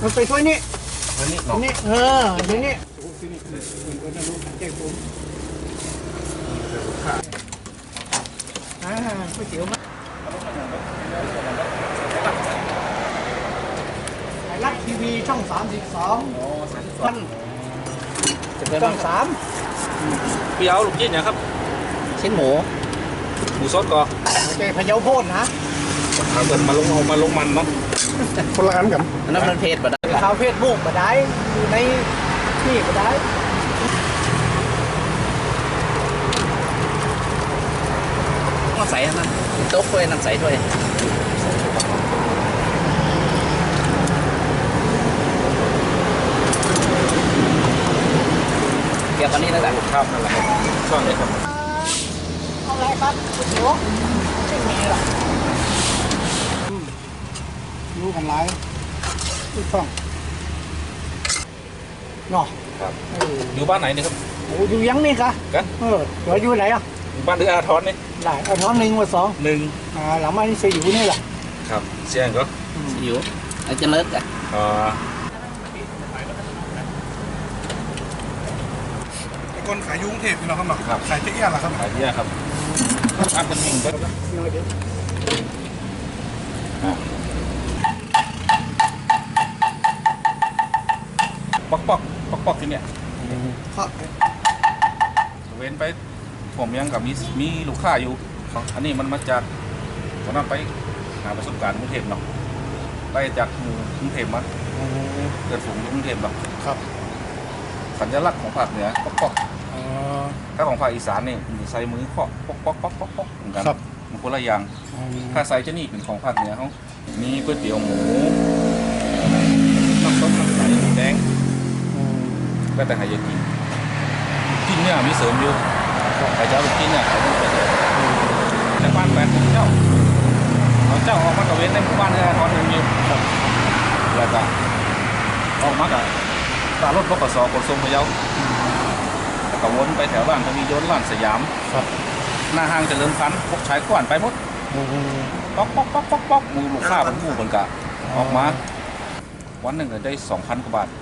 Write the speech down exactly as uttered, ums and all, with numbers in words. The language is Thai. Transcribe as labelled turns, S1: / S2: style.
S1: มันไปถ้วยนี้
S2: อันนี้
S1: อันนี้เออทีนี้อ่าก๋วยเตี๋ยวมาไทยรัฐทีวีช่องสามสิบสองท่านช่องสาม
S2: พี่เอาลูกชิ้นนะครับ
S3: ชิ้นหมู
S2: หมูซอสก่อน
S1: โอเคพะเยาโพดนะ
S2: เอาเกินมาลงเอามาลงมันเนาะคนละอันกัน
S3: อันนั้นมันเพจแบบนั้น
S1: ข่าวเฟซบุ๊กก็ได้อยู่ในนี่ก็ได้
S3: ต้องใส่นะโต๊ะถ้วยน้ำใส่ถ้วยเกี่ยวกับนี้นะจ๊ะ
S2: ครับนั่นแหละช่วงนี้ครับ
S1: เอาอะไรครับก๋วยเตี๋ยวไม่มีหรอกรู้กันไรทุกช่องเนาะ
S2: ครับอยู่บ้านไหนนี่ครับ
S1: โอ้อยู่ยังนี่คะ
S2: กัน
S1: เออเดี๋ยวอยู่ไหนอ่ะ
S2: บ้านเรืออาทรนี่
S1: ได้เอาท้องหนึ่งมาสอง
S2: หนึ่ง
S1: อ่าหลังมานี่เสียอยู่นี่แหละ
S2: ครับเสียงก็
S3: อยู่อาจจะเลิกอ่ะ
S2: อ่า
S4: คนขายยุ้งเทพนี่เราครับหรอขายเจ๊เอี้ยนเหรอครับ
S2: ขายเยอะครับอัพเป็นหนึ่งก็
S1: น้อยเดียว
S2: ปอกปอกปอกปอกที่เนี่ย
S1: ครับ
S2: เว้นไปผมยังกับมีมีลูกค้าอยู่อันนี้มันมาจากตอนนั้นไปหาประสบการณ์กรุงเทพเนาะไปจากหมู่กรุงเทพมาเกิดฝูงกรุงเทพเนาะ
S4: ครับ
S2: สัญลักษณ์ของภาคเหนือปอกปอกถ้าของภาคอีสานนี่มันใส่มือเคาะปอกปอกปอกปอกปอกเหมือนกันมันคนละอย่างถ้าใส่จะนี่เป็นของภาคเหนือเขามีก๋วยเตี๋ยวหมูน้ำต้มน้ำใสหมูแดงก็แต่หายากินกินเนี่ยมีเสริมอยู่ใครจะเอาไปกินเนี่ยเขาต้องไปในบ้านแฟนของเจ้าเขาเจ้าออกมาตะเวนในหมู่บ้านเนี่ยทอนหนึ่งอยู่แล้วก็ออกมากับตารถบกสขนส่งพะเยาแล้วก็วนไปแถวบ้านก็มีโยนบ้านสยามหน้าห้างเจริญพันธุ์พวกชายขวานไปหมดป๊อกป๊อกป๊อกป๊อกป๊อกมือลูกค้าเป็นผู้เหมือนกันออกมาวันหนึ่งได้สองพันกว่าบาท